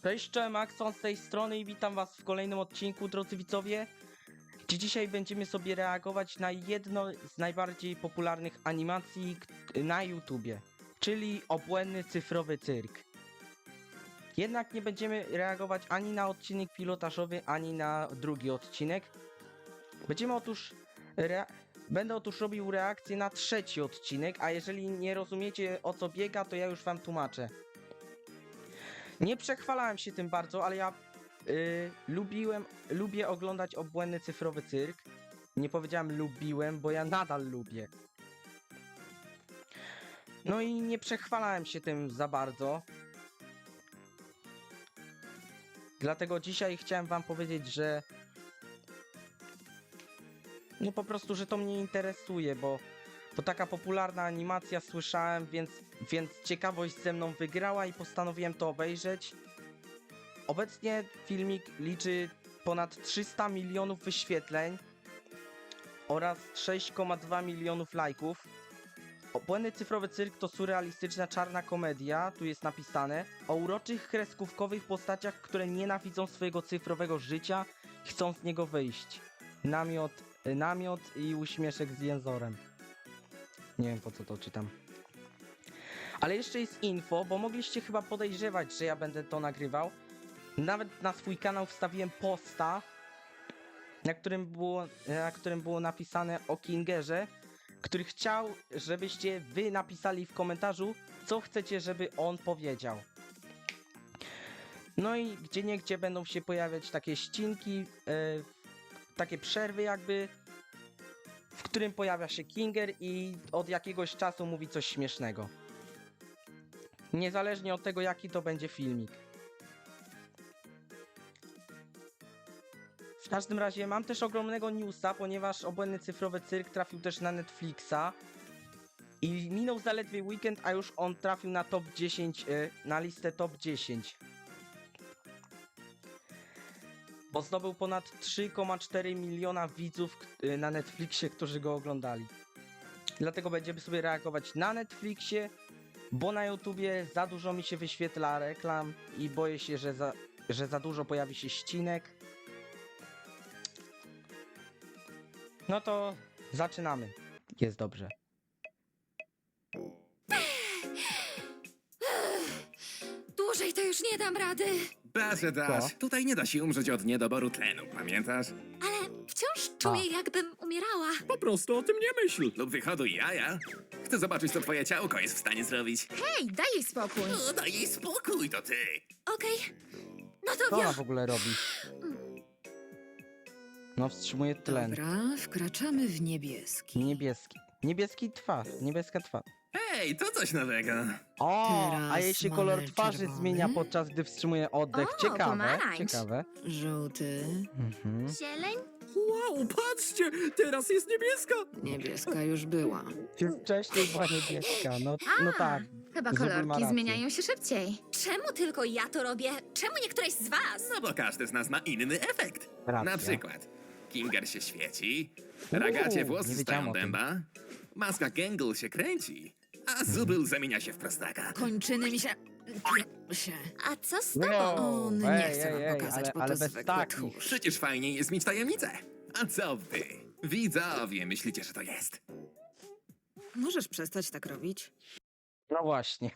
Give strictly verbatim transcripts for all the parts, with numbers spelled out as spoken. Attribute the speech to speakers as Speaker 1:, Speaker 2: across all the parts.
Speaker 1: Cześć, cześć, Maxon z tej strony i witam was w kolejnym odcinku, drodzy widzowie. Gdzie dzisiaj będziemy sobie reagować na jedno z najbardziej popularnych animacji na YouTubie, czyli obłędny cyfrowy cyrk. Jednak nie będziemy reagować ani na odcinek pilotażowy, ani na drugi odcinek. Będziemy otóż... Rea Będę otóż robił reakcję na trzeci odcinek, a jeżeli nie rozumiecie, o co biega, to ja już wam tłumaczę. Nie przechwalałem się tym bardzo, ale ja yy, lubiłem, lubię oglądać obłędny cyfrowy cyrk. Nie powiedziałem lubiłem, bo ja nadal lubię. No i nie przechwalałem się tym za bardzo. Dlatego dzisiaj chciałem wam powiedzieć, że no po prostu, że to mnie interesuje, bo to taka popularna animacja, słyszałem, więc, więc ciekawość ze mną wygrała i postanowiłem to obejrzeć. Obecnie filmik liczy ponad trzysta milionów wyświetleń oraz sześć przecinek dwa milionów lajków. Obłędny cyfrowy cyrk to surrealistyczna czarna komedia, tu jest napisane, o uroczych kreskówkowych postaciach, które nienawidzą swojego cyfrowego życia, chcą z niego wyjść. Namiot, namiot i uśmieszek z jęzorem. Nie wiem, po co to czytam. Ale jeszcze jest info, bo mogliście chyba podejrzewać, że ja będę to nagrywał. Nawet na swój kanał wstawiłem posta, na którym było, na którym było napisane o Kingerze, który chciał, żebyście wy napisali w komentarzu, co chcecie, żeby on powiedział. No i gdzieniegdzie będą się pojawiać takie ścinki, yy, takie przerwy jakby, w którym pojawia się Kinger i od jakiegoś czasu mówi coś śmiesznego. Niezależnie od tego, jaki to będzie filmik. W każdym razie mam też ogromnego newsa, ponieważ obłędny cyfrowy cyrk trafił też na Netflixa. I minął zaledwie weekend, a już on trafił na top dziesięć, na listę top dziesięć. Bo zdobył ponad trzy przecinek cztery miliona widzów na Netflixie, którzy go oglądali. Dlatego będziemy sobie reagować na Netflixie, bo na YouTubie za dużo mi się wyświetla reklam i boję się, że za, że za dużo pojawi się ścinek. No to zaczynamy. Jest dobrze.
Speaker 2: Dłużej to już nie dam rady.
Speaker 3: Da się dasz.
Speaker 1: Co?
Speaker 3: Tutaj nie da się umrzeć od niedoboru tlenu, pamiętasz?
Speaker 2: Ale wciąż czuję, jakbym umierała.
Speaker 3: Po prostu o tym nie myśl. Lub wyhoduj jaja. Chcę zobaczyć, co twoje ciałko jest w stanie zrobić.
Speaker 2: Hej, daj jej spokój.
Speaker 3: O, daj jej spokój, to ty.
Speaker 2: Okej, no to
Speaker 1: Co ona
Speaker 2: ja.
Speaker 1: w ogóle robi? No wstrzymuje tlen.
Speaker 4: Dobra, wkraczamy w niebieski.
Speaker 1: Niebieski. Niebieski twarz. Niebieska twarz.
Speaker 3: Hej, to coś nowego.
Speaker 1: O,
Speaker 4: Teraz
Speaker 1: a jej się
Speaker 4: mamy
Speaker 1: kolor twarzy
Speaker 4: czerwony.
Speaker 1: zmienia podczas gdy wstrzymuje oddech.
Speaker 2: O,
Speaker 1: Ciekawe,
Speaker 2: pomarańcz.
Speaker 1: ciekawe.
Speaker 4: Żółty,
Speaker 1: Mhm.
Speaker 2: Zieleń?
Speaker 3: Wow, patrzcie, teraz jest niebieska.
Speaker 4: niebieska już była.
Speaker 1: Wcześniej była niebieska, no, no tak.
Speaker 2: Chyba
Speaker 1: Zubul ma
Speaker 2: kolorki
Speaker 1: rację.
Speaker 2: zmieniają się szybciej. Czemu tylko ja to robię? Czemu nie któreś z was?
Speaker 3: No bo każdy z nas ma inny efekt.
Speaker 1: Racja.
Speaker 3: Na przykład, Kinger się świeci, Ragacie
Speaker 1: Uuu,
Speaker 3: włosy
Speaker 1: nie
Speaker 3: stają
Speaker 1: wiedziałam o tym.
Speaker 3: dęba, maska Gangle się kręci, a Zubul zamienia się w prostaka.
Speaker 4: Kończyny mi się... się.
Speaker 2: A co z tobą?
Speaker 1: No,
Speaker 4: On nie
Speaker 1: ej,
Speaker 4: chce wam
Speaker 1: ej, ej,
Speaker 4: pokazać,
Speaker 1: ale,
Speaker 4: bo
Speaker 1: ale
Speaker 4: to
Speaker 1: bez
Speaker 4: zwykły
Speaker 1: takich.
Speaker 4: tchórz.
Speaker 3: Przecież fajniej jest mieć tajemnicę. A co wy? Widzowie myślicie, że to jest.
Speaker 4: Możesz przestać tak robić?
Speaker 1: No właśnie.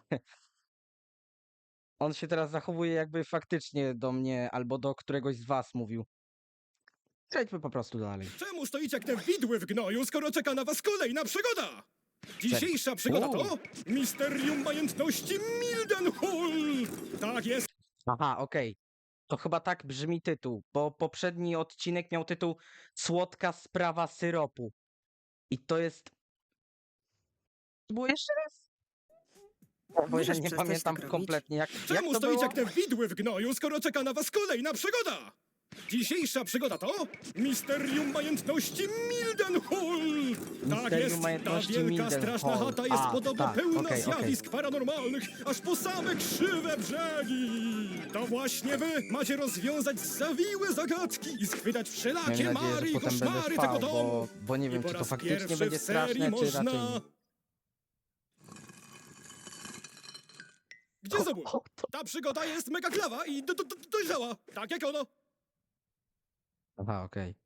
Speaker 1: On się teraz zachowuje, jakby faktycznie do mnie albo do któregoś z was mówił. Przejdźmy po prostu dalej.
Speaker 5: Czemu stoicie jak te widły w gnoju, skoro czeka na was kolejna przygoda? Dzisiejsza przygoda to Misterium Majętności Mildenhall! Tak jest,
Speaker 1: Aha, okej. To chyba tak brzmi tytuł, bo poprzedni odcinek miał tytuł Słodka sprawa syropu. I to jest... Było jeszcze raz? Bo ja
Speaker 4: Możesz
Speaker 1: nie
Speaker 4: przestać
Speaker 1: pamiętam
Speaker 4: tak robić?
Speaker 1: kompletnie, jak, jak
Speaker 5: czemu
Speaker 1: to
Speaker 5: stoicie
Speaker 1: było?
Speaker 5: jak te widły w gnoju, skoro czeka na was kolejna przygoda? Dzisiejsza przygoda to Misterium Majętności Mildenhall! Tak
Speaker 1: Misterium
Speaker 5: jest, ta
Speaker 1: Majętności
Speaker 5: wielka,
Speaker 1: Mildenhall.
Speaker 5: straszna chata jest
Speaker 1: A,
Speaker 5: podobno
Speaker 1: tak,
Speaker 5: pełna
Speaker 1: okej, okej.
Speaker 5: zjawisk paranormalnych, aż po same krzywe brzegi! To właśnie wy macie rozwiązać zawiłe zagadki i schwytać
Speaker 1: Mam
Speaker 5: wszelakie
Speaker 1: nadzieję,
Speaker 5: mary
Speaker 1: że
Speaker 5: i
Speaker 1: potem będę
Speaker 5: koszmary
Speaker 1: trwał,
Speaker 5: tego domu!
Speaker 1: bo, bo nie
Speaker 5: I
Speaker 1: wiem,
Speaker 5: po
Speaker 1: czy to
Speaker 5: raz
Speaker 1: faktycznie
Speaker 5: pierwszy
Speaker 1: będzie
Speaker 5: w serii
Speaker 1: straszne, czy
Speaker 5: można...
Speaker 1: raczej nie.
Speaker 5: Gdzie Zobul?
Speaker 1: O, to...
Speaker 5: Ta przygoda jest mega klawa i do, do, do, dojrzała, tak jak ono.
Speaker 1: Aha, okej.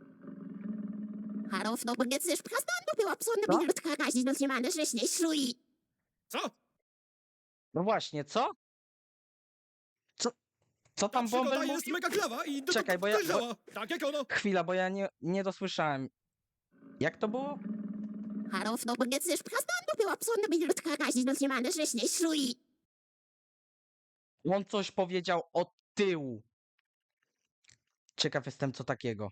Speaker 6: Harów, no bo nie chcesz prasnąć, była psona
Speaker 1: Co?
Speaker 6: minutka, razi no zniemane, że śniej szlui.
Speaker 5: Co?
Speaker 1: No właśnie, co? Co, co
Speaker 5: Ta
Speaker 1: tam
Speaker 5: przygoda
Speaker 1: Bąbel
Speaker 5: jest
Speaker 1: mówił?
Speaker 5: mega klawa i do,
Speaker 1: Czekaj,
Speaker 5: do,
Speaker 1: bo ja-
Speaker 5: dojrzała, tak jak ono.
Speaker 1: Chwila, bo ja nie, nie dosłyszałem. Jak to było?
Speaker 6: Harów, no bo nie chcesz prasnąć, była psona minutka, razi no zniemane, że śniej szlui.
Speaker 1: On coś powiedział od tyłu. Ciekaw jestem, co takiego.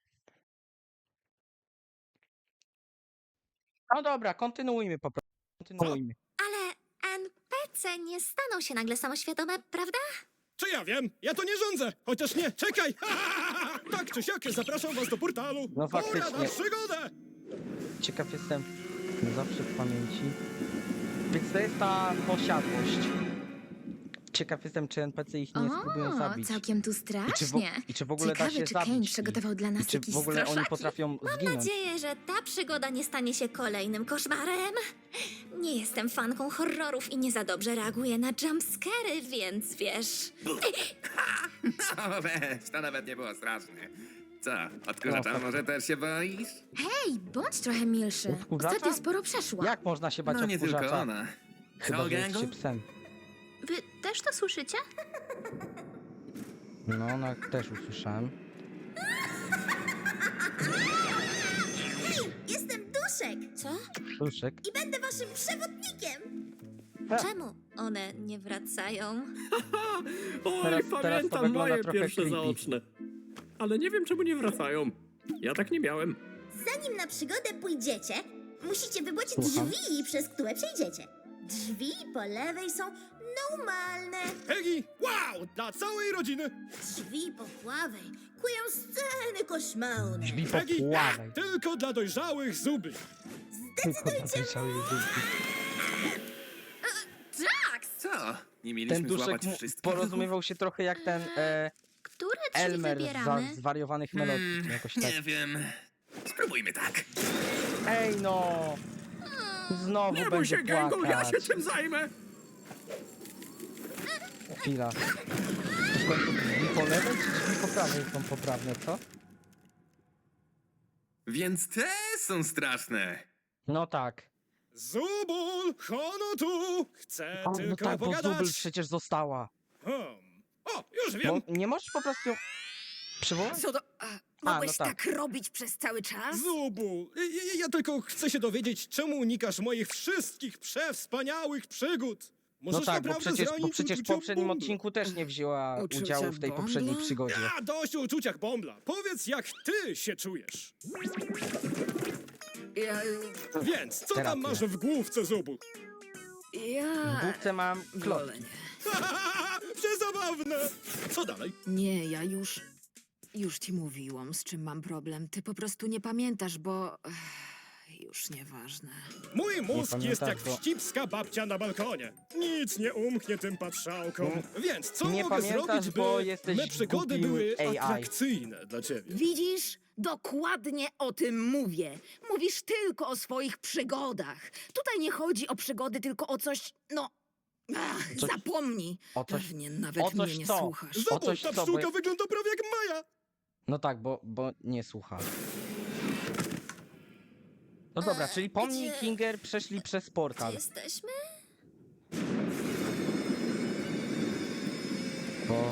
Speaker 1: No dobra, kontynuujmy po prostu. Kontynuujmy.
Speaker 2: Ale N P C nie staną się nagle samoświadome, prawda?
Speaker 5: Czy ja wiem? Ja to nie rządzę! Chociaż nie, czekaj! Tak czy siak, zapraszam was do portalu!
Speaker 1: No
Speaker 5: Pora na
Speaker 1: faktycznie.
Speaker 5: przygodę!
Speaker 1: Ciekaw jestem, no zawsze w pamięci. Więc to jest ta posiadłość. Ciekaw jestem, czy N P C ich nie spróbują zabić.
Speaker 2: całkiem tu
Speaker 1: I czy, w,
Speaker 2: strasznie.
Speaker 1: I czy w ogóle da
Speaker 2: Ciekawe,
Speaker 1: się
Speaker 2: czy
Speaker 1: zabić
Speaker 2: Kane
Speaker 1: ich?
Speaker 2: przygotował dla
Speaker 1: I
Speaker 2: nas
Speaker 1: czy
Speaker 2: jakieś
Speaker 1: w ogóle oni
Speaker 2: straszaki?
Speaker 1: potrafią
Speaker 2: Mam
Speaker 1: zginąć?
Speaker 2: nadzieję, że ta przygoda nie stanie się kolejnym koszmarem. Nie jestem fanką horrorów i nie za dobrze reaguję na jumpscary, więc wiesz...
Speaker 3: No weź, to nawet nie było straszne. Co, odkurzacza
Speaker 1: No,
Speaker 3: może też się boisz?
Speaker 2: Hej, bądź trochę milszy.
Speaker 1: Odkurzacza?
Speaker 2: Ostatnio sporo przeszła.
Speaker 1: Jak można się bać
Speaker 3: No nie tylko
Speaker 1: odkurzacza?
Speaker 3: ona.
Speaker 1: Chyba,
Speaker 3: Co,
Speaker 1: że jest
Speaker 3: gangu?
Speaker 1: się psem.
Speaker 2: Wy też to słyszycie?
Speaker 1: No, no, też usłyszałem.
Speaker 6: Jestem Duszek
Speaker 2: Co?
Speaker 1: Duszek.
Speaker 6: i będę waszym przewodnikiem.
Speaker 2: Czemu one nie wracają?
Speaker 7: Oj,
Speaker 1: Teraz- teraz to
Speaker 7: pamiętam
Speaker 1: wygląda
Speaker 7: moje
Speaker 1: trochę
Speaker 7: pierwsze
Speaker 1: creepy.
Speaker 7: zaoczne. Ale nie wiem, czemu nie wracają. Ja tak nie miałem.
Speaker 6: Zanim na przygodę pójdziecie, musicie wybrać
Speaker 1: Słucham.
Speaker 6: drzwi, przez które przejdziecie. Drzwi po lewej są normalne.
Speaker 5: Peggy, wow! Dla całej rodziny!
Speaker 6: Drzwi po prawej kują sceny koszmarne.
Speaker 1: Drzwi po
Speaker 5: Peggy,
Speaker 1: pławej.
Speaker 5: tylko dla dojrzałych zubli.
Speaker 2: Jax!
Speaker 3: Co? Nie mieliśmy
Speaker 1: Ten duszek
Speaker 3: złapać
Speaker 1: mu
Speaker 3: wszystkich?
Speaker 1: porozumiewał się trochę jak ten e,
Speaker 2: Które drzwi
Speaker 1: Elmer z za,
Speaker 2: wybieramy?
Speaker 1: zwariowanych melodii. czy jakoś tak.
Speaker 3: Nie wiem. Spróbujmy tak.
Speaker 1: Ej no! Znowu
Speaker 7: Nie bój
Speaker 1: będzie
Speaker 7: się, Gangu, ja
Speaker 1: płakać.
Speaker 7: się tym zajmę.
Speaker 1: Chwila. To w końcu drzwi po lewej czy drzwi po prawej są poprawne, co?
Speaker 3: Więc te są straszne.
Speaker 1: No tak.
Speaker 5: Zubul, hono tu! Chcę
Speaker 1: O, no
Speaker 5: tylko
Speaker 1: tak, bo
Speaker 5: pogadać.
Speaker 1: Zubel przecież została.
Speaker 5: Hmm. O, już
Speaker 1: Bo
Speaker 5: wiem.
Speaker 1: nie możesz po prostu ją przywołać?
Speaker 4: Co do... A, mogłeś
Speaker 1: no tak.
Speaker 4: tak robić przez cały czas?
Speaker 5: Zubul, ja, ja tylko chcę się dowiedzieć, czemu unikasz moich wszystkich przewspaniałych przygód.
Speaker 1: No
Speaker 5: Możesz
Speaker 1: tak, bo
Speaker 5: naprawdę
Speaker 1: przecież, bo
Speaker 5: zranić
Speaker 1: przecież w
Speaker 5: uczucia
Speaker 1: poprzednim
Speaker 5: Bombla.
Speaker 1: odcinku też nie wzięła
Speaker 4: Uczucia
Speaker 1: udziału w tej
Speaker 4: Bombla?
Speaker 1: poprzedniej przygodzie.
Speaker 5: A, dość o uczuciach Bombla. Powiedz, jak ty się czujesz.
Speaker 4: Ja...
Speaker 5: Więc, co
Speaker 1: Terapia.
Speaker 5: tam masz w główce, Zubul?
Speaker 1: W
Speaker 4: Ja...
Speaker 1: główce mam klot.
Speaker 4: Wolę nie.
Speaker 5: Przezabawne! Co dalej?
Speaker 4: Nie, ja już... Już ci mówiłam, z czym mam problem. Ty po prostu nie pamiętasz, bo... Ech, już nieważne.
Speaker 5: Mój mózg jest
Speaker 1: pamiętasz,
Speaker 5: jak
Speaker 1: bo-
Speaker 5: wścibska babcia na balkonie. Nic nie umknie tym patrzałkom. Więc co
Speaker 1: nie
Speaker 5: mogę
Speaker 1: pamiętasz,
Speaker 5: zrobić, by
Speaker 1: bo jesteś
Speaker 5: me przygody
Speaker 1: głupim
Speaker 5: były
Speaker 1: A I.
Speaker 5: atrakcyjne dla ciebie?
Speaker 4: Widzisz? Dokładnie o tym mówię. Mówisz tylko o swoich przygodach. Tutaj nie chodzi o przygody, tylko o coś, no... Ach,
Speaker 1: Coś-
Speaker 4: zapomnij.
Speaker 1: o coś-
Speaker 4: Pewnie nawet
Speaker 1: o coś
Speaker 4: mnie nie
Speaker 1: co?
Speaker 4: słuchasz.
Speaker 1: O
Speaker 5: Zobacz,
Speaker 1: coś
Speaker 5: ta
Speaker 1: co, bo
Speaker 5: pszczółka
Speaker 1: ja-
Speaker 5: wygląda prawie jak Maja.
Speaker 1: No tak, bo, bo nie słucha. No dobra, czyli po mnie i
Speaker 2: gdzie-
Speaker 1: Kinger przeszli przez
Speaker 2: Gdzie
Speaker 1: portal.
Speaker 2: jesteśmy?
Speaker 1: O.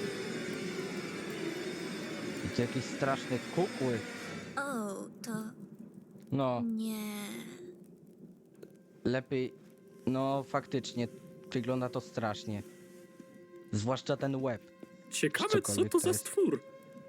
Speaker 1: I to jakieś straszne kukły.
Speaker 2: O, to
Speaker 1: No,
Speaker 2: nie...
Speaker 1: lepiej... No faktycznie, wygląda to strasznie. Zwłaszcza ten łeb.
Speaker 7: Ciekawe, co
Speaker 1: Cokolwiek
Speaker 7: to
Speaker 1: to
Speaker 7: za
Speaker 1: jest.
Speaker 7: stwór.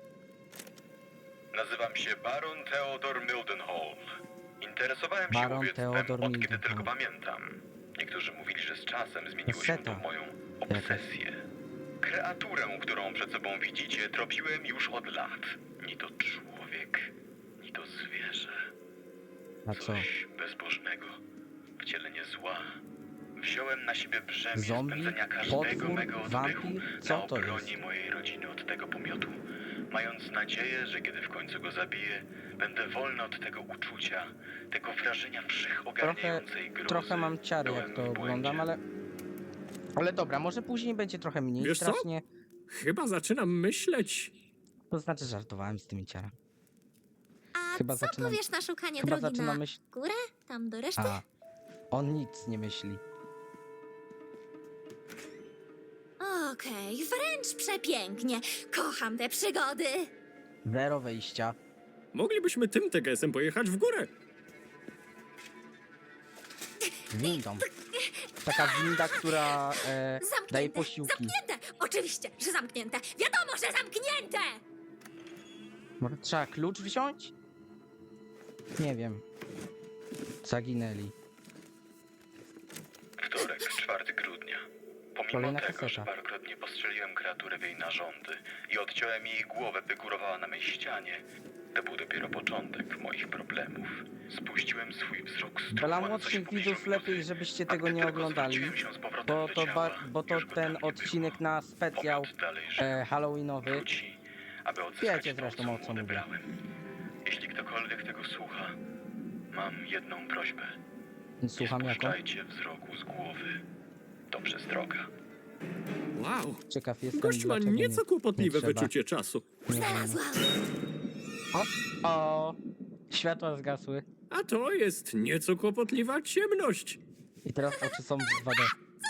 Speaker 8: Nazywam się Baron Theodor Mildenhall. Interesowałem
Speaker 1: Baron
Speaker 8: się łowiectwem
Speaker 1: Theodor
Speaker 8: od kiedy
Speaker 1: Mildenhall.
Speaker 8: tylko pamiętam. Niektórzy mówili, że z czasem zmieniło się to
Speaker 1: Seta.
Speaker 8: w moją obsesję. Kreaturę, którą przed sobą widzicie, tropiłem już od lat. Ni to człowiek, ni to zwierzę.
Speaker 1: A co?
Speaker 8: Coś bezbożnego, wcielenie zła. Wziąłem na siebie brzemię
Speaker 1: Zombie?
Speaker 8: spędzenia każdego
Speaker 1: Potwór?
Speaker 8: mego oddechu
Speaker 1: Wampir? Co
Speaker 8: na
Speaker 1: to
Speaker 8: obronie
Speaker 1: jest?
Speaker 8: mojej rodziny od tego pomiotu, mając nadzieję, że kiedy w końcu go zabiję, będę wolny od tego uczucia, tego wrażenia
Speaker 1: Trochę,
Speaker 8: wszechogarniającej grozy.
Speaker 1: trochę mam ciary jak
Speaker 8: Byłem
Speaker 1: to
Speaker 8: w błędzie.
Speaker 1: oglądam, ale... Ale dobra, może później będzie trochę mniej
Speaker 7: Wiesz co?
Speaker 1: strasznie.
Speaker 7: Chyba zaczynam myśleć.
Speaker 1: To znaczy żartowałem z tymi ciara.
Speaker 2: A
Speaker 1: Chyba
Speaker 2: co
Speaker 1: zaczynam-
Speaker 2: powiesz na szukanie
Speaker 1: chyba
Speaker 2: drogi
Speaker 1: zaczynam
Speaker 2: na
Speaker 1: myśl-
Speaker 2: górę? Tam do reszty?
Speaker 1: A, on nic nie myśli.
Speaker 2: Okej, wręcz przepięknie. Kocham te przygody.
Speaker 1: Zero wejścia.
Speaker 7: Moglibyśmy tym T G S-em pojechać w górę.
Speaker 1: Windą. Taka winda, która e,
Speaker 2: Zamknięte,
Speaker 1: daje posiłki.
Speaker 2: zamknięte! Oczywiście, że zamknięte. Wiadomo, że zamknięte!
Speaker 1: Może trzeba klucz wziąć? Nie wiem. Zaginęli.
Speaker 8: Wtorek, czwartego grudnia. Pomimo
Speaker 1: Kolejna
Speaker 8: tego,
Speaker 1: kaseta.
Speaker 8: że parokrotnie postrzeliłem kreaturę w jej narządy i odciąłem jej głowę, by górowała na mej ścianie, to był dopiero początek moich problemów. Spuściłem swój wzrok z
Speaker 1: Dla
Speaker 8: trupa, co
Speaker 1: młodszych
Speaker 8: się
Speaker 1: widzów
Speaker 8: pobliżu
Speaker 1: lepiej,
Speaker 8: miód.
Speaker 1: żebyście
Speaker 8: A
Speaker 1: tego
Speaker 8: gdy
Speaker 1: nie
Speaker 8: tylko
Speaker 1: oglądali,
Speaker 8: zwróciłem się z powrotem
Speaker 1: bo
Speaker 8: do
Speaker 1: to,
Speaker 8: ciała,
Speaker 1: ba, bo to
Speaker 8: już go
Speaker 1: ten
Speaker 8: tam nie
Speaker 1: odcinek
Speaker 8: było.
Speaker 1: na specjal
Speaker 8: Pomiot dalej żył.
Speaker 1: e, halloweenowy.
Speaker 8: Wróci, aby odzyskać
Speaker 1: Wiecie
Speaker 8: to,
Speaker 1: zresztą,
Speaker 8: co
Speaker 1: o
Speaker 8: mu
Speaker 1: co mówię.
Speaker 8: odebrałem. Jeśli ktokolwiek tego słucha, mam jedną prośbę.
Speaker 1: Słucham
Speaker 8: Nie
Speaker 1: jaką?
Speaker 8: spuszczajcie wzroku z głowy. To przestroga.
Speaker 7: Wow.
Speaker 1: Ciekaw jestem,
Speaker 7: Gość ma
Speaker 1: dlaczego
Speaker 7: nieco
Speaker 1: nie,
Speaker 7: kłopotliwe
Speaker 1: nie trzeba.
Speaker 7: wyczucie czasu.
Speaker 1: Nie wiem.
Speaker 2: Znalazłam.
Speaker 1: O, o, światła zgasły.
Speaker 7: A to jest nieco kłopotliwa ciemność.
Speaker 1: I teraz oczy są w dwa D.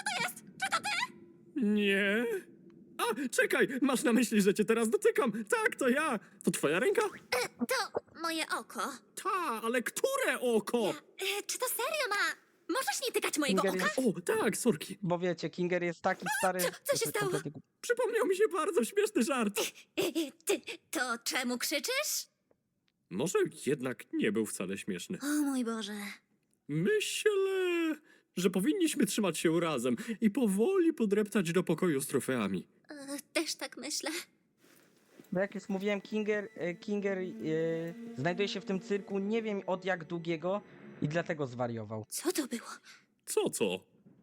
Speaker 7: Nie. A, czekaj, masz na myśli, że cię teraz dotykam. Tak, to ja. To twoja ręka?
Speaker 2: To moje oko.
Speaker 7: Ta, ale które oko?
Speaker 2: E, czy to serio ma... Możesz nie tykać mojego
Speaker 1: Finger
Speaker 2: oka?
Speaker 1: jest-
Speaker 7: O, tak, sorki.
Speaker 1: Bo wiecie, Kinger jest taki stary...
Speaker 2: Co- co się
Speaker 1: że
Speaker 2: stało?
Speaker 1: kompletnie głupi.
Speaker 7: Przypomniał mi się bardzo śmieszny żart.
Speaker 2: E, e, Ty, to czemu krzyczysz?
Speaker 7: Może jednak nie był wcale śmieszny.
Speaker 2: O mój Boże.
Speaker 7: Myślę, że powinniśmy trzymać się razem i powoli podreptać do pokoju z trofeami.
Speaker 2: E, Też tak myślę.
Speaker 1: Bo jak już mówiłem, Kinger, e, Kinger e, znajduje się w tym cyrku nie wiem od jak długiego i dlatego zwariował.
Speaker 2: Co to było?
Speaker 7: Co, co?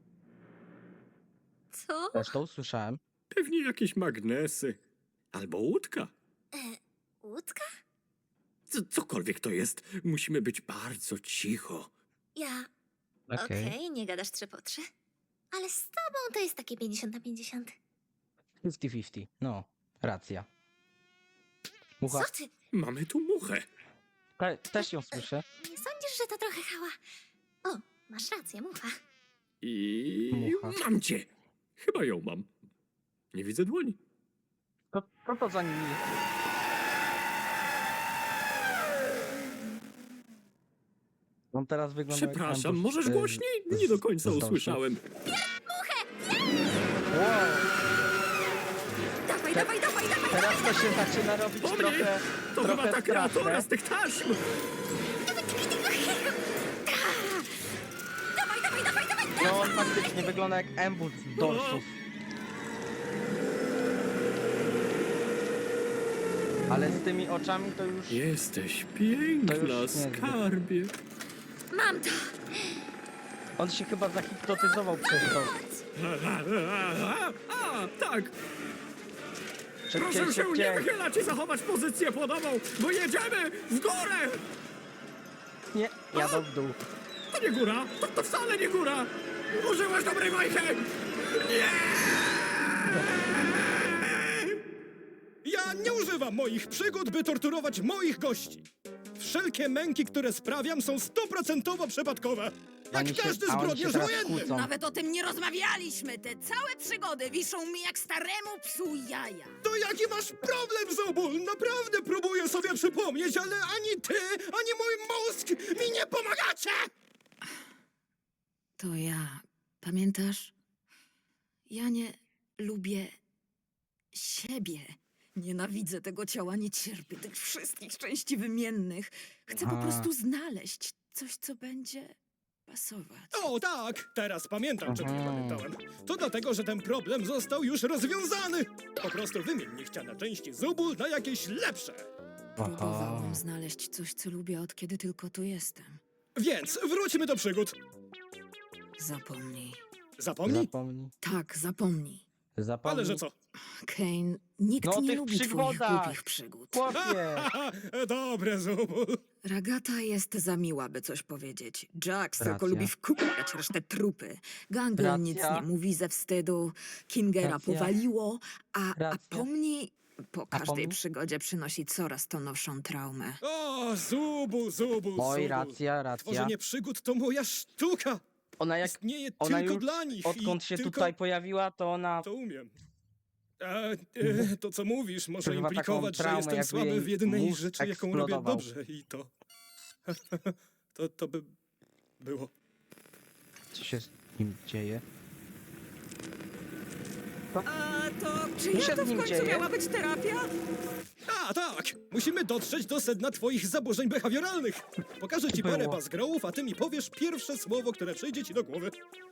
Speaker 2: Co?
Speaker 1: Też to usłyszałem.
Speaker 7: Pewnie jakieś magnesy. Albo łódka.
Speaker 2: E, łódka?
Speaker 7: C cokolwiek to jest, musimy być bardzo cicho.
Speaker 2: Ja...
Speaker 1: Okej.
Speaker 2: Okej, nie gadasz trzy po trzy. Ale z tobą to jest takie pięćdziesiąt na pięćdziesiąt.
Speaker 1: pięćdziesiąt pięćdziesiąt. No, racja. Mucha.
Speaker 2: Co ty?
Speaker 7: Mamy tu muchę.
Speaker 1: Te, też ją słyszę.
Speaker 2: Nie sądzisz, że to trochę hała? O, masz rację, mucha.
Speaker 7: I
Speaker 1: Mucha.
Speaker 7: mam cię. Chyba ją mam. Nie widzę dłoni.
Speaker 1: To, to, to za nimi. On teraz wygląda jak
Speaker 7: Przepraszam,
Speaker 1: ambush,
Speaker 7: możesz
Speaker 1: e,
Speaker 7: głośniej?
Speaker 1: z-
Speaker 7: Nie do końca
Speaker 1: z dorsów.
Speaker 7: usłyszałem.
Speaker 1: Wow,
Speaker 2: Dawaj,
Speaker 1: Te-
Speaker 2: dawaj, dawaj, dawaj!
Speaker 1: teraz to się zaczyna robić
Speaker 7: Po mnie!
Speaker 1: trochę,
Speaker 7: To
Speaker 1: trochę
Speaker 7: chyba ta kreatura
Speaker 1: straszne.
Speaker 7: z tych taśm.
Speaker 2: Dawaj, dawaj, dawaj, dawaj!
Speaker 1: No on faktycznie wygląda jak ambush z dorsów. Ale z tymi oczami to już...
Speaker 7: Jesteś
Speaker 1: To
Speaker 7: piękna,
Speaker 1: już niezbyt.
Speaker 7: skarbie.
Speaker 2: Mam to!
Speaker 1: On się chyba zahipnotyzował przez to.
Speaker 7: A, a, a, tak,
Speaker 1: Szybciej,
Speaker 7: proszę się nie
Speaker 1: szybciej.
Speaker 7: wychylać i zachować pozycję płodową, bo jedziemy w górę.
Speaker 1: Nie, jadą w dół.
Speaker 7: To nie góra, to, to wcale nie góra. Użyłaś dobrej bajki. Nie!
Speaker 5: Ja nie używam moich przygód, by torturować moich gości. Wszelkie męki, które sprawiam, są stuprocentowo przypadkowe.
Speaker 1: Oni
Speaker 5: Jak
Speaker 1: się-
Speaker 5: każdy
Speaker 1: a oni się
Speaker 5: zbrodniarz
Speaker 1: teraz
Speaker 5: wojenny.
Speaker 1: kłócą.
Speaker 4: Nawet o tym nie rozmawialiśmy. Te całe przygody wiszą mi jak staremu psu jaja.
Speaker 5: To jaki masz problem, Zobul? Naprawdę próbuję sobie przypomnieć, ale ani ty, ani mój mózg mi nie pomagacie!
Speaker 4: To ja. Pamiętasz? Ja nie lubię siebie. Nienawidzę tego ciała, nie cierpię tych wszystkich części wymiennych. Chcę po
Speaker 1: A.
Speaker 4: prostu znaleźć coś, co będzie pasować.
Speaker 5: O tak, teraz pamiętam, czego nie
Speaker 1: Mhm.
Speaker 5: pamiętałem. To dlatego, że ten problem został już rozwiązany. Po prostu wymień niechciane części Zobul na jakieś lepsze.
Speaker 4: Próbowałam znaleźć coś, co lubię, od kiedy tylko tu jestem.
Speaker 5: Więc wróćmy do przygód.
Speaker 4: Zapomnij.
Speaker 5: Zapomnij.
Speaker 1: Zapomnij.
Speaker 4: Tak, zapomnij.
Speaker 1: Zapomnij...
Speaker 5: Ale że co?
Speaker 4: Kane, nikt
Speaker 1: No,
Speaker 4: nie
Speaker 1: tych
Speaker 4: lubi twoich
Speaker 1: przygodach.
Speaker 4: głupich przygód.
Speaker 1: Chłopie!
Speaker 5: Dobre, Zubul.
Speaker 4: Ragata jest za miła, by coś powiedzieć. Jax tylko
Speaker 1: Racja.
Speaker 4: lubi wkupiać resztę trupy. Ganglion nic
Speaker 1: Racja.
Speaker 4: nie mówi ze wstydu. Kingera
Speaker 1: Racja.
Speaker 4: powaliło, a, a
Speaker 1: Racja.
Speaker 4: pomni po każdej
Speaker 1: pomni?
Speaker 4: przygodzie przynosi coraz to nowszą traumę.
Speaker 5: O, Zubul, Zubul,
Speaker 1: Oj,
Speaker 5: Zubul.
Speaker 1: racja, racja.
Speaker 5: Tworzenie przygód to moja sztuka.
Speaker 1: Ona jak...
Speaker 5: Istnieje
Speaker 1: Ona
Speaker 5: tylko
Speaker 1: już
Speaker 5: dla nich.
Speaker 1: odkąd
Speaker 5: i
Speaker 1: się
Speaker 5: tylko
Speaker 1: tutaj pojawiła, to ona...
Speaker 5: To umiem. A, e, to, co mówisz, może
Speaker 1: Przeżywa taką
Speaker 5: implikować, że
Speaker 1: traumę,
Speaker 5: jestem
Speaker 1: jakby
Speaker 5: słaby
Speaker 1: jej
Speaker 5: w jednej
Speaker 1: mózg
Speaker 5: rzeczy, jaką robię
Speaker 1: eksplodował.
Speaker 5: dobrze. I to... to, to by było.
Speaker 1: Co się z nim dzieje?
Speaker 4: A to czy
Speaker 1: Co się
Speaker 4: ja to
Speaker 1: z
Speaker 4: w
Speaker 1: nim
Speaker 4: końcu
Speaker 1: dzieje?
Speaker 4: miała być terapia?
Speaker 5: A, tak! Musimy dotrzeć do sedna twoich zaburzeń behawioralnych. Pokażę ci parę
Speaker 1: Było.
Speaker 5: bazgrołów, a ty mi powiesz pierwsze słowo, które przyjdzie ci do głowy.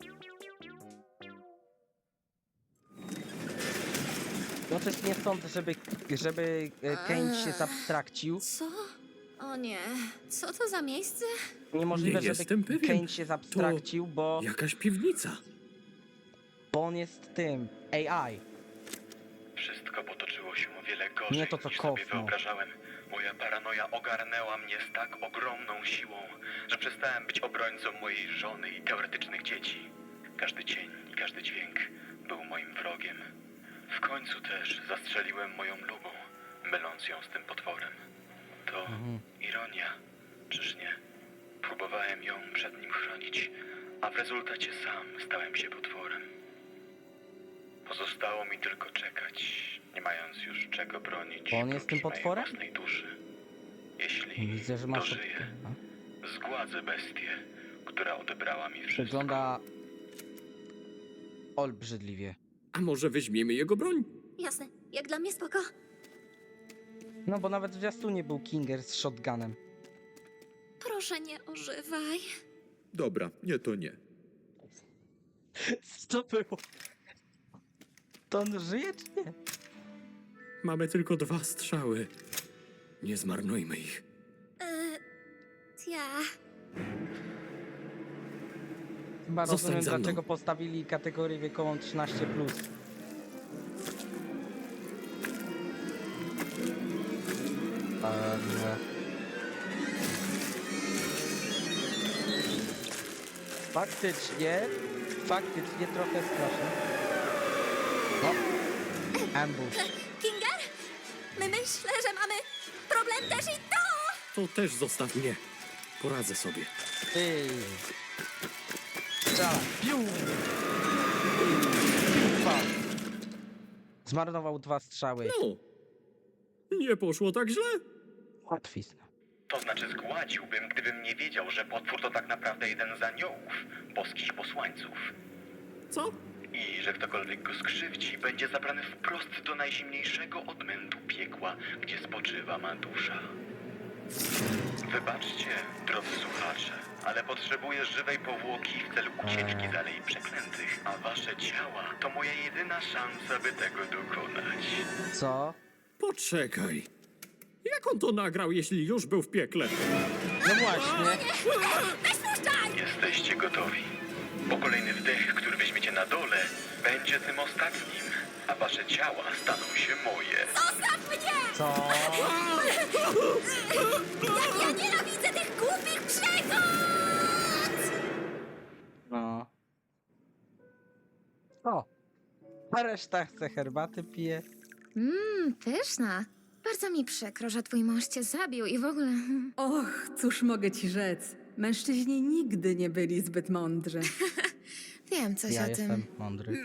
Speaker 1: No coś nie sądzę, żeby, żeby e, Kane się zabstrakcił.
Speaker 2: Co? O nie, co to za miejsce?
Speaker 1: Niemożliwe,
Speaker 7: Nie
Speaker 1: żeby
Speaker 7: jestem pewien.
Speaker 1: Kane się zabstrakcił, bo,
Speaker 7: Jakaś piwnica.
Speaker 1: bo on jest tym A I.
Speaker 8: Wszystko potoczyło się o wiele gorzej
Speaker 1: Nie to, co
Speaker 8: niż sobie
Speaker 1: Kofmo.
Speaker 8: wyobrażałem. Moja paranoja ogarnęła mnie z tak ogromną siłą, że przestałem być obrońcą mojej żony i teoretycznych dzieci. Każdy cień i każdy dźwięk był moim wrogiem. W końcu też zastrzeliłem moją lubą, myląc ją z tym potworem. To ironia, czyż nie? Próbowałem ją przed nim chronić, a w rezultacie sam stałem się potworem. Pozostało mi tylko czekać, nie mając już czego bronić
Speaker 1: Bo on jest tym
Speaker 8: prócz mojej
Speaker 1: potworem?
Speaker 8: własnej duszy. Jeśli
Speaker 1: Widzę, że masz...
Speaker 8: dożyję,
Speaker 1: A?
Speaker 8: zgładzę bestię, która odebrała mi wszystko.
Speaker 1: Wygląda... olbrzydliwie.
Speaker 7: A może weźmiemy jego broń?
Speaker 2: Jasne, jak dla mnie spoko.
Speaker 1: No bo nawet w zwiastunie był Kinger z shotgunem.
Speaker 2: Proszę nie ożywaj.
Speaker 9: Dobra, nie to nie.
Speaker 1: Co było? To on żyje czy nie?
Speaker 7: Mamy tylko dwa strzały. Nie zmarnujmy ich.
Speaker 2: Eee, ja.
Speaker 1: Chyba
Speaker 7: Zostań
Speaker 1: rozumiem,
Speaker 7: za mną.
Speaker 1: dlaczego postawili kategorię wiekową trzynaście plus. Eee, Faktycznie, faktycznie trochę straszne. No, ambush.
Speaker 2: Kinger? My myślę, że mamy problem też i to!
Speaker 7: To też zostaw mnie. Poradzę sobie.
Speaker 1: Ty. Strzela. Piu. Dwa. Zmarnował dwa strzały.
Speaker 7: No. Nie poszło tak źle.
Speaker 1: Łatwizna.
Speaker 8: To znaczy zgładziłbym, gdybym nie wiedział, że potwór to tak naprawdę jeden z aniołów, boskich posłańców.
Speaker 7: Co?
Speaker 8: I że ktokolwiek go skrzywdzi, będzie zabrany wprost do najzimniejszego odmętu piekła, gdzie spoczywa ma dusza. Wybaczcie, drodzy słuchacze, ale potrzebuję żywej powłoki w celu ucieczki z Alei Przeklętych, a wasze ciała to moja jedyna szansa, by tego dokonać.
Speaker 1: Co?
Speaker 7: Poczekaj. Jak on to nagrał, jeśli już był w piekle?
Speaker 1: No właśnie.
Speaker 8: Jesteście gotowi? Bo kolejny wdech, który weźmiecie na dole, będzie tym ostatnim, a wasze ciała staną się moje.
Speaker 1: Co?
Speaker 2: Jak ja nienawidzę tych głupich przygód!
Speaker 1: No. O. A reszta chce herbaty, pije.
Speaker 10: Mmm, pyszna. Bardzo mi przykro, że twój mąż cię zabił i w ogóle...
Speaker 11: Och, cóż mogę ci rzec? Mężczyźni nigdy nie byli zbyt mądrzy.
Speaker 10: Wiem coś
Speaker 1: Ja
Speaker 10: o
Speaker 1: jestem
Speaker 10: tym.
Speaker 1: mądry.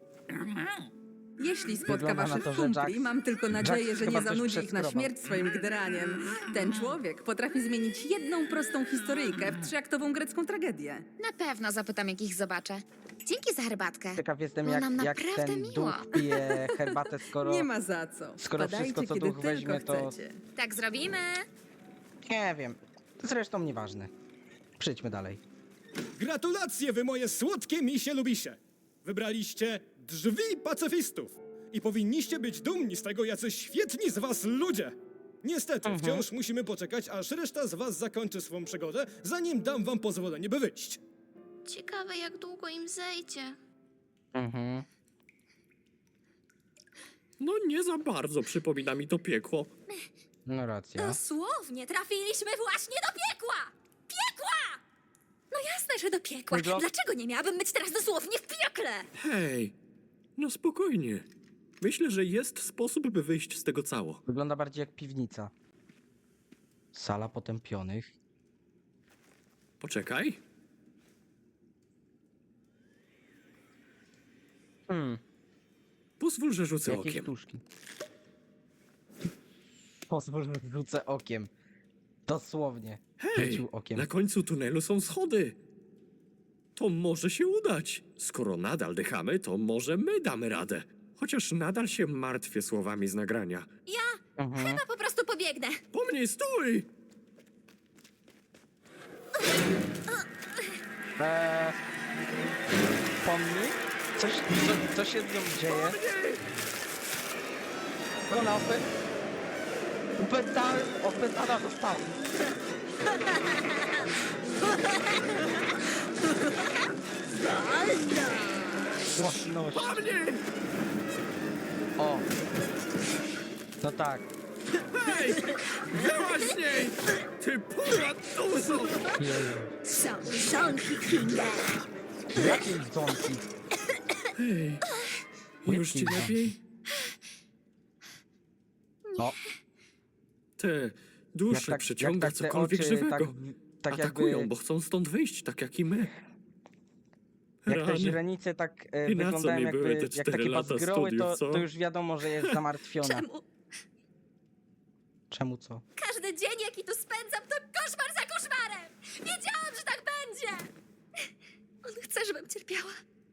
Speaker 11: Jeśli spotka
Speaker 1: Wygląda na
Speaker 11: waszych
Speaker 1: to, że
Speaker 11: kumpli,
Speaker 1: Jax-
Speaker 11: mam tylko nadzieję,
Speaker 1: Jax
Speaker 11: że
Speaker 1: chyba
Speaker 11: nie
Speaker 1: coś
Speaker 11: zanudzi ich na
Speaker 1: przeskrobał.
Speaker 11: śmierć swoim gdraniem. Ten człowiek potrafi zmienić jedną prostą historyjkę w trzyaktową grecką tragedię.
Speaker 10: Na pewno zapytam, jak ich zobaczę. Dzięki za herbatkę.
Speaker 1: Ciekaw jestem,
Speaker 10: Było
Speaker 1: jak,
Speaker 10: nam
Speaker 1: jak
Speaker 10: naprawdę
Speaker 1: ten
Speaker 10: miło.
Speaker 1: duch pije herbatę, skoro...
Speaker 11: Nie ma za co.
Speaker 1: skoro
Speaker 11: Wpadajcie,
Speaker 1: wszystko, co
Speaker 11: kiedy
Speaker 1: duch weźmie,
Speaker 11: tylko
Speaker 1: to-
Speaker 11: chcecie.
Speaker 10: Tak zrobimy.
Speaker 1: Nie wiem. Zresztą nieważne. Przejdźmy dalej.
Speaker 5: Gratulacje, wy moje słodkie misie lubisie! Wybraliście drzwi pacyfistów i powinniście być dumni z tego, jacy świetni z was ludzie! Niestety,
Speaker 1: Mhm.
Speaker 5: wciąż musimy poczekać, aż reszta z was zakończy swą przygodę, zanim dam wam pozwolenie, by wyjść.
Speaker 2: Ciekawe, jak długo im zejdzie.
Speaker 1: Mhm.
Speaker 7: No nie za bardzo przypomina mi to piekło.
Speaker 1: No racja.
Speaker 2: Dosłownie trafiliśmy właśnie do piekła! Piekła! No jasne, że do piekła.
Speaker 1: Wyglo-
Speaker 2: Dlaczego nie miałabym być teraz dosłownie w piekle?
Speaker 7: Hej, no spokojnie. Myślę, że jest sposób, by wyjść z tego cało.
Speaker 1: Wygląda bardziej jak piwnica. Sala potępionych.
Speaker 7: Poczekaj.
Speaker 1: Hmm,
Speaker 7: Pozwól, że rzucę
Speaker 1: jakieś
Speaker 7: okiem.
Speaker 1: sztuczki. Pozwól, że rzucę okiem. Dosłownie.
Speaker 7: Hej,
Speaker 1: Rzucił okiem.
Speaker 7: na końcu tunelu są schody. To może się udać. Skoro nadal dychamy, to może my damy radę. Chociaż nadal się martwię słowami z nagrania.
Speaker 2: Ja
Speaker 1: Mhm.
Speaker 2: chyba po prostu pobiegnę.
Speaker 7: Po mnie stój!
Speaker 1: Eee, pomnik? Coś, co, co się z nią dzieje? Ona opę... Upętałem, opętana została. Własność.
Speaker 7: Po mnie!
Speaker 1: O. No tak.
Speaker 7: Hej! Byłaś z niej! Ty pura dużo!
Speaker 2: Są żonki Kinga.
Speaker 1: Jakiej dzonki?
Speaker 7: Hej, już ci
Speaker 1: Kinga.
Speaker 7: lepiej?
Speaker 1: No,
Speaker 7: Te dusze
Speaker 1: jak
Speaker 7: przyciąga
Speaker 1: jak tak te
Speaker 7: cokolwiek
Speaker 1: oczy,
Speaker 7: żywego.
Speaker 1: tak, w- tak
Speaker 7: Atakują,
Speaker 1: jakby,
Speaker 7: bo chcą stąd wyjść, tak jak i my.
Speaker 1: jak te
Speaker 7: Rany.
Speaker 1: źrenice tak e,
Speaker 7: I na co
Speaker 1: wyglądają
Speaker 7: mi
Speaker 1: jakby,
Speaker 7: były te
Speaker 1: jak
Speaker 7: cztery
Speaker 1: takie
Speaker 7: lata
Speaker 1: bazgroły, to,
Speaker 7: studiów, co?
Speaker 1: to już wiadomo, że jest zamartwiona.
Speaker 2: Czemu?
Speaker 1: Czemu co?
Speaker 2: Każdy dzień, jaki tu spędzam, to koszmar za koszmarem! Wiedziałam, że tak będzie! On chce, żebym cierpiała.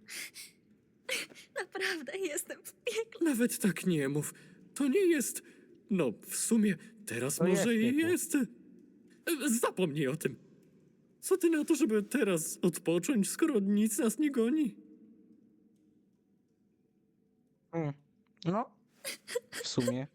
Speaker 2: Naprawdę jestem w piekle.
Speaker 7: Nawet tak nie mów. To nie jest... No, w sumie teraz
Speaker 1: To
Speaker 7: może
Speaker 1: jest
Speaker 7: i
Speaker 1: piekło.
Speaker 7: jest. E, Zapomnij o tym. Co ty na to, żeby teraz odpocząć, skoro nic nas nie goni?
Speaker 1: Mm. No, w sumie.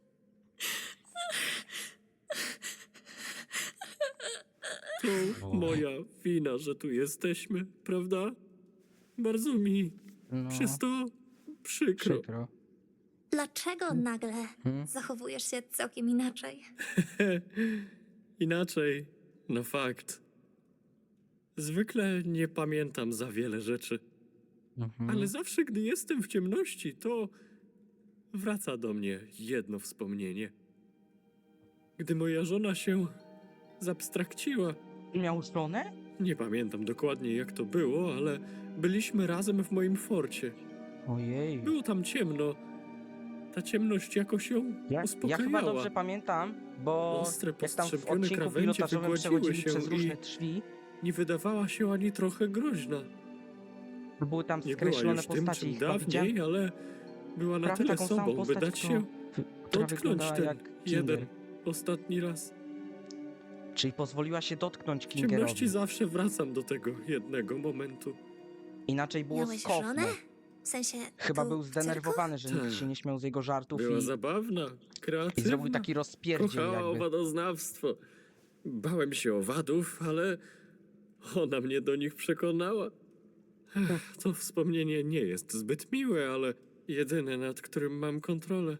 Speaker 7: To
Speaker 1: O.
Speaker 7: moja wina, że tu jesteśmy, prawda? Bardzo mi
Speaker 1: No,
Speaker 7: przez to przykro.
Speaker 1: przykro.
Speaker 2: Dlaczego nagle
Speaker 1: Hmm?
Speaker 2: zachowujesz się całkiem inaczej?
Speaker 7: Inaczej, no fakt. Zwykle nie pamiętam za wiele rzeczy,
Speaker 1: Mhm.
Speaker 7: ale zawsze, gdy jestem w ciemności, to wraca do mnie jedno wspomnienie. Gdy moja żona się zabstrakciła,
Speaker 1: Miał żonę?
Speaker 7: nie pamiętam dokładnie jak to było, ale byliśmy razem w moim forcie.
Speaker 1: Ojej.
Speaker 7: Było tam ciemno. Ta ciemność jakoś ją
Speaker 1: Ja, ja
Speaker 7: uspokajała.
Speaker 1: chyba dobrze pamiętam, bo
Speaker 7: Ostre,
Speaker 1: jak tam w
Speaker 7: postrzępione
Speaker 1: odcinku
Speaker 7: krawędzie
Speaker 1: pilotażowym
Speaker 7: wygładziły
Speaker 1: przechodzili
Speaker 7: się
Speaker 1: przez
Speaker 7: i-
Speaker 1: różne drzwi,
Speaker 7: Nie wydawała się ani trochę groźna.
Speaker 1: były tam
Speaker 7: Nie była
Speaker 1: skreślone
Speaker 7: już tym,
Speaker 1: postacie
Speaker 7: czym
Speaker 1: i chyba widziałem
Speaker 7: dawniej, ale była na
Speaker 1: prawie
Speaker 7: tyle
Speaker 1: taką samą
Speaker 7: sobą, by
Speaker 1: postać,
Speaker 7: dać
Speaker 1: którą-
Speaker 7: się
Speaker 1: która
Speaker 7: dotknąć
Speaker 1: wyglądała
Speaker 7: ten
Speaker 1: jak
Speaker 7: jeden
Speaker 1: Kinger.
Speaker 7: ostatni raz.
Speaker 1: Czyli pozwoliła się dotknąć
Speaker 7: W ciemności
Speaker 1: Kingerowi.
Speaker 7: zawsze wracam do tego jednego momentu.
Speaker 1: Inaczej było
Speaker 2: Miałeś
Speaker 1: z Kofmo.
Speaker 2: żonę? W sensie
Speaker 1: Chyba
Speaker 2: tu
Speaker 1: był
Speaker 2: w cyrku?
Speaker 1: zdenerwowany, że nikt
Speaker 7: Tak.
Speaker 1: się nie śmiał z jego żartów
Speaker 7: Była
Speaker 1: i,
Speaker 7: zabawna,
Speaker 1: i
Speaker 7: kreatywna.
Speaker 1: zrobił taki rozpierdziel
Speaker 7: Kochała
Speaker 1: jakby.
Speaker 7: owadoznawstwo. Bałem się owadów, ale ona mnie do nich przekonała. Ech, to wspomnienie nie jest zbyt miłe, ale jedyne, nad którym mam kontrolę.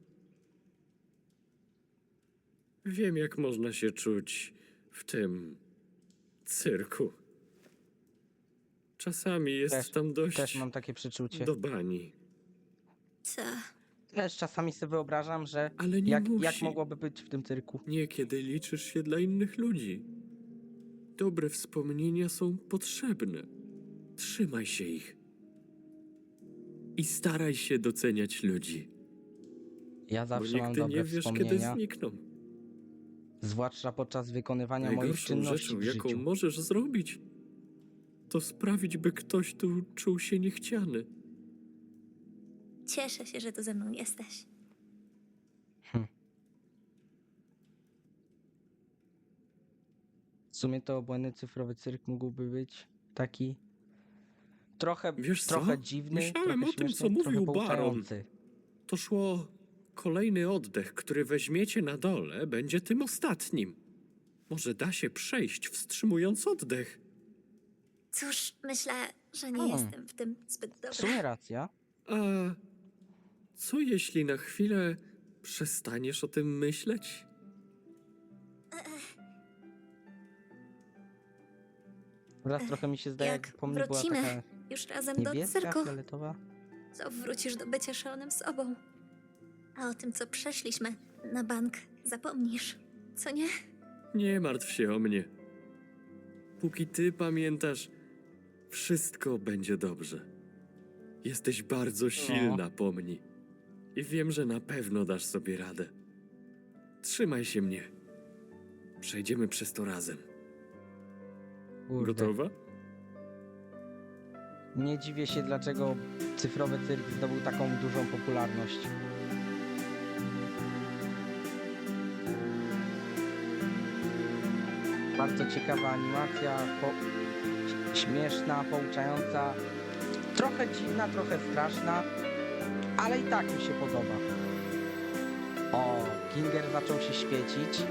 Speaker 7: Wiem, jak można się czuć w tym cyrku. Czasami jest
Speaker 1: Też-
Speaker 7: tam dość
Speaker 1: Też mam takie przeczucie.
Speaker 7: do bani.
Speaker 2: Co?
Speaker 1: Też czasami sobie wyobrażam, że
Speaker 7: Ale nie
Speaker 1: jak,
Speaker 7: musi.
Speaker 1: jak mogłoby być w tym cyrku.
Speaker 7: Niekiedy liczysz się dla innych ludzi. Dobre wspomnienia są potrzebne. Trzymaj się ich. I staraj się doceniać ludzi,
Speaker 1: Ja
Speaker 7: bo
Speaker 1: zawsze mam
Speaker 7: nigdy
Speaker 1: dobre
Speaker 7: nie wiesz, kiedy
Speaker 1: wspomnienia,
Speaker 7: znikną.
Speaker 1: zwłaszcza podczas wykonywania moich
Speaker 7: Najgorszą
Speaker 1: czynności
Speaker 7: rzeczą,
Speaker 1: w
Speaker 7: jaką
Speaker 1: życiu.
Speaker 7: możesz zrobić, to sprawić, by ktoś tu czuł się niechciany.
Speaker 2: Cieszę się, że tu ze mną jesteś.
Speaker 1: W sumie to obłędny cyfrowy cyrk mógłby być taki trochę,
Speaker 7: Wiesz co?
Speaker 1: trochę dziwny,
Speaker 7: Myślałem
Speaker 1: trochę
Speaker 7: o tym, co
Speaker 1: śmieszny, trochę
Speaker 7: mówił Baron.
Speaker 1: pouczający.
Speaker 7: To szło... Kolejny oddech, który weźmiecie na dole, będzie tym ostatnim. Może da się przejść, wstrzymując oddech.
Speaker 2: Cóż, myślę, że nie
Speaker 1: Hmm.
Speaker 2: jestem w tym zbyt
Speaker 1: W
Speaker 2: dobra.
Speaker 1: sumie racja.
Speaker 7: A co jeśli na chwilę przestaniesz o tym myśleć?
Speaker 1: Teraz trochę mi się zdaje,
Speaker 2: Jak
Speaker 1: jak po mnie była
Speaker 2: wrócimy
Speaker 1: taka
Speaker 2: już razem do
Speaker 1: niebieska,
Speaker 2: cyrku,
Speaker 1: fioletowa.
Speaker 2: to wrócisz do bycia szalonym sobą. A o tym, co przeszliśmy na bank, zapomnisz. Co nie?
Speaker 7: Nie martw się o mnie. Póki ty pamiętasz, wszystko będzie dobrze. Jesteś bardzo silna, pomni. I wiem, że na pewno dasz sobie radę. Trzymaj się mnie. Przejdziemy przez to razem.
Speaker 1: Kurde.
Speaker 7: Gotowa?
Speaker 1: Nie dziwię się, dlaczego cyfrowy cyrk zdobył taką dużą popularność. Bardzo ciekawa animacja, po... śmieszna, pouczająca, trochę dziwna, trochę straszna, ale i tak mi się podoba. O, Ginger zaczął się świecić.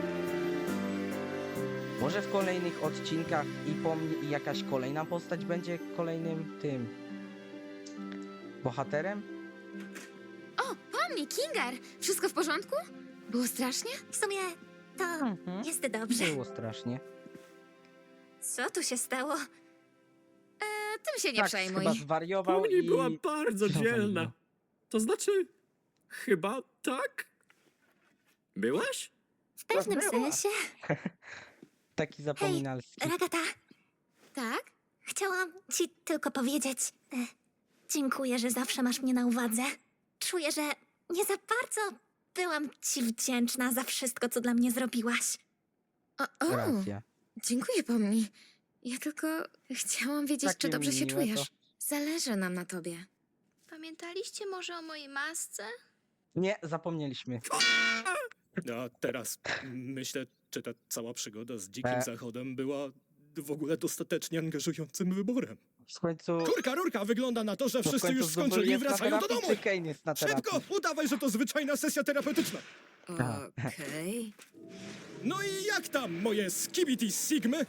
Speaker 1: Może w kolejnych odcinkach i pomni i jakaś kolejna postać będzie kolejnym tym bohaterem?
Speaker 10: O, pomni, Kinger! Wszystko w porządku? Było strasznie?
Speaker 2: W sumie to
Speaker 1: Mhm.
Speaker 2: jest dobrze.
Speaker 1: Było strasznie.
Speaker 2: Co tu się stało?
Speaker 10: E, tym się nie
Speaker 1: tak,
Speaker 10: przejmuj.
Speaker 1: chyba zwariował
Speaker 7: Pomni
Speaker 1: i...
Speaker 7: była bardzo
Speaker 1: Co
Speaker 7: dzielna.
Speaker 1: tam
Speaker 7: To znaczy, chyba tak? Byłaś?
Speaker 2: W pewnym
Speaker 1: była.
Speaker 2: sensie.
Speaker 1: Taki zapominalski.
Speaker 2: Ragata,
Speaker 10: Tak?
Speaker 2: chciałam ci tylko powiedzieć. E, dziękuję, że zawsze masz mnie na uwadze. Czuję, że nie za bardzo byłam ci wdzięczna za wszystko, co dla mnie zrobiłaś.
Speaker 10: O, o,
Speaker 1: Racja.
Speaker 10: dziękuję, pomni. Ja tylko chciałam wiedzieć,
Speaker 1: Takie
Speaker 10: czy dobrze się
Speaker 1: miłe
Speaker 10: czujesz.
Speaker 1: to.
Speaker 10: Zależy nam na tobie.
Speaker 12: Pamiętaliście może o mojej masce?
Speaker 1: Nie, zapomnieliśmy.
Speaker 5: A teraz myślę, czy ta cała przygoda z Dzikim
Speaker 1: E.
Speaker 5: Zachodem była w ogóle dostatecznie angażującym wyborem.
Speaker 1: W końcu...
Speaker 5: Kurka, rurka, wygląda na to, że
Speaker 1: no w
Speaker 5: wszyscy
Speaker 1: końcu
Speaker 5: już
Speaker 1: Zubul
Speaker 5: skończyli i
Speaker 1: jest na
Speaker 5: wracają do
Speaker 1: terapii,
Speaker 5: domu.
Speaker 1: czy Kane jest na terapii?
Speaker 5: Szybko, udawaj, że to zwyczajna sesja terapeutyczna.
Speaker 1: Tak.
Speaker 4: Okej.
Speaker 5: No i jak tam, moje skibidi sigmy?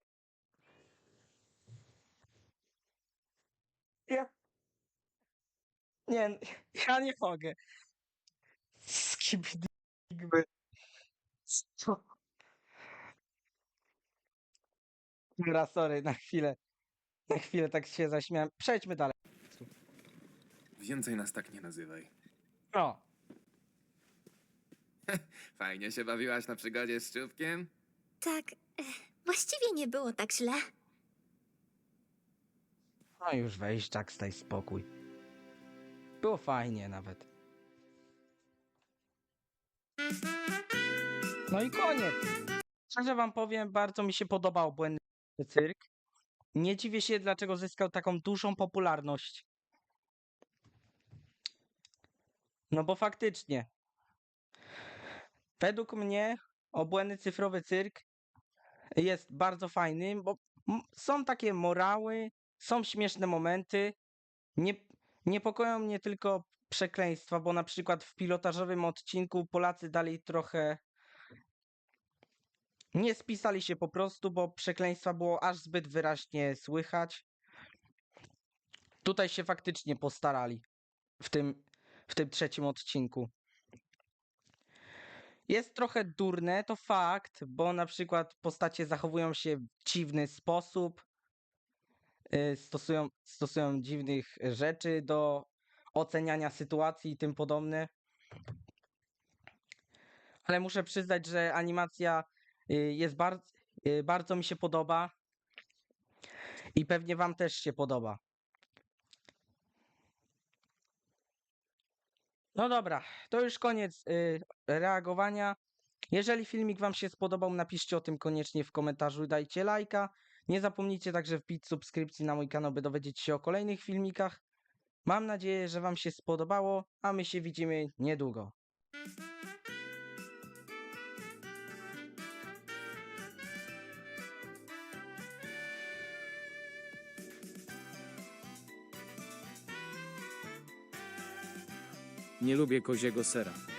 Speaker 1: Ja... Nie, ja nie mogę. Skibidi. Co? Dobra, sorry, na chwilę. Na chwilę tak się zaśmiałem. Przejdźmy dalej.
Speaker 3: Więcej nas tak nie nazywaj.
Speaker 1: O,
Speaker 3: Fajnie się bawiłaś na przygodzie z Czubkiem?
Speaker 2: Tak, e, właściwie nie było tak źle.
Speaker 1: no już weź, Jack, staj spokój. Było fajnie nawet. No i koniec. Szczerze wam powiem, bardzo mi się podobał Błędny Cyrk. Nie dziwię się, dlaczego zyskał taką dużą popularność. No bo faktycznie. Według mnie Obłędny Cyfrowy Cyrk jest bardzo fajny, bo m- są takie morały, są śmieszne momenty. Nie, niepokoją mnie tylko przekleństwa, bo na przykład w pilotażowym odcinku Polacy dali trochę... Nie spisali się po prostu, bo przekleństwa było aż zbyt wyraźnie słychać. Tutaj się faktycznie postarali w tym, w tym trzecim odcinku. Jest trochę durne, to fakt, bo na przykład postacie zachowują się w dziwny sposób, y, stosują, stosują dziwnych rzeczy do oceniania sytuacji i tym podobne. Ale muszę przyznać, że animacja y, jest bardzo, bardzo mi się podoba i pewnie wam też się podoba. No dobra, to już koniec y, reagowania. Jeżeli filmik wam się spodobał, napiszcie o tym koniecznie w komentarzu i dajcie lajka. Nie zapomnijcie także wbić subskrypcji na mój kanał, by dowiedzieć się o kolejnych filmikach. Mam nadzieję, że wam się spodobało, a my się widzimy niedługo.
Speaker 13: Nie lubię koziego sera.